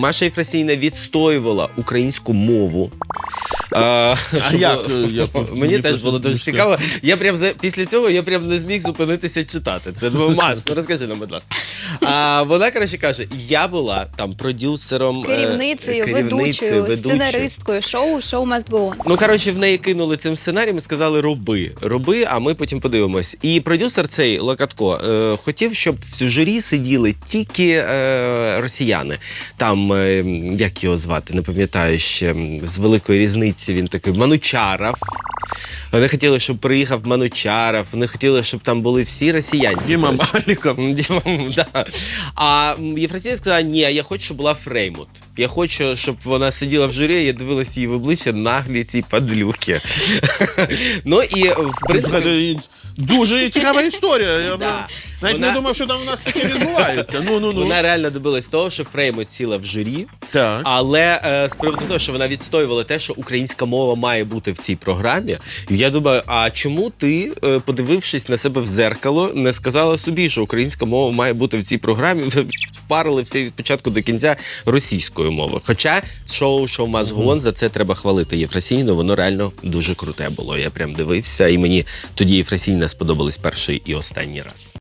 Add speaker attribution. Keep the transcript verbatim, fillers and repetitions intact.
Speaker 1: Маша Єфросинівна відстоювала українську мову. А,
Speaker 2: А
Speaker 1: щоб...
Speaker 2: як, як?
Speaker 1: Мені теж було дуже цікаво. Я прям за... Після цього я прям не зміг зупинитися читати. Це думаю, Маш, ну розкажи нам, будь ласка. А вона, коротше, каже, я була там продюсером,
Speaker 3: Керівницею,
Speaker 1: керівницею
Speaker 3: ведучою, сценаристкою шоу «Show must go on».
Speaker 1: Ну, коротше, в неї кинули цим сценарієм і сказали роби, роби, а ми потім подивимось. І продюсер цей, Локатко, е, хотів, щоб в журі сиділи тільки е, росіяни. Там, е, як його звати, не пам'ятаю ще, з великої різниці він такий, Манучаров. Вони хотіли, щоб приїхав Манучаров, вони хотіли, щоб там були всі росіянці.
Speaker 2: Діма Маліков.
Speaker 1: Діма, да. А Єфросинія сказала, ні, я хочу, щоб була Фреймут. Я хочу, щоб вона сиділа в журі, я дивилася її в обличчя, наглі ці падлюки. Ну і, в принципі...
Speaker 2: Дуже цікава історія. Я
Speaker 1: Да.
Speaker 2: навіть
Speaker 1: Вона-
Speaker 2: не думав, що там у нас таке відбувається. Ну, ну, ну.
Speaker 1: Вона реально добилась того, що Фреймут сіла в журі,
Speaker 2: Так.
Speaker 1: але е, з приводу того, що вона відстоювала те, що українська мова має бути в цій програмі, я думаю, а чому ти, е, подивившись на себе в зеркало, не сказала собі, що українська мова має бути в цій програмі, ви впарили все від початку до кінця російською мовою. Хоча шоу «Show must go on», за це треба хвалити Єфросинівну, воно реально дуже круте було. Я прям дивився, і мені тоді Єфросинівна сподобалась перший і останній раз.